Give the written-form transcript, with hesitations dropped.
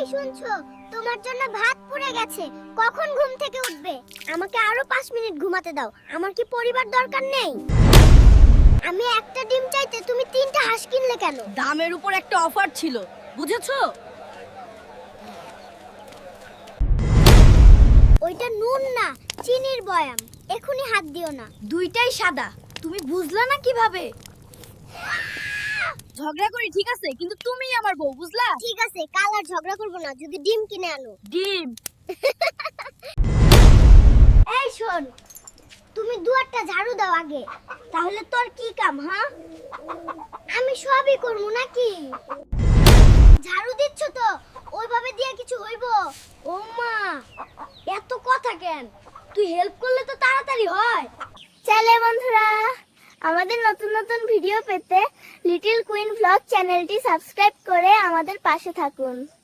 শুনছো? তোমার জন্য ভাত পুড়ে গেছে। কখন ঘুম থেকে উঠবে? আমাকে আরো 5 মিনিট ঘুমাতে দাও। আমার কি পরিবার দরকার নেই? আমি একটা ডিম চাইতে তুমি 3টা হাঁস কিনলে কেন? দামের উপর একটা অফার ছিল, বুঝেছো? ওইটা নুন না, চিনির বয়াম। এখনি হাত দিও না। দুইটাই সাদা, তুমি বুঝলা না কিভাবে? ঝগড়া করি ঠিক আছে, কিন্তু তুমিই আমার বউ, বুঝলা? ঠিক আছে, কাল আর ঝগড়া করব না যদি ডিম কিনে আনো। ডিম। এই শোন, তুমি দুয়ারটা ঝাড়ু দাও আগে। তাহলে তোর কি কাম? হ্যাঁ, আমি সবই করব নাকি? ঝাড়ু দিচ্ছ তো, ওইভাবে দিয়ে কিছু হইব? ও মা, এত কথা কেন? তুই হেল্প করলে তো তাড়াতাড়ি হয়। চলে বন্ধুরা, আমাদের নতুন নতুন ভিডিও পেতে লিটল কুইন ব্লগ চ্যানেলটি সাবস্ক্রাইব করে আমাদের পাশে থাকুন।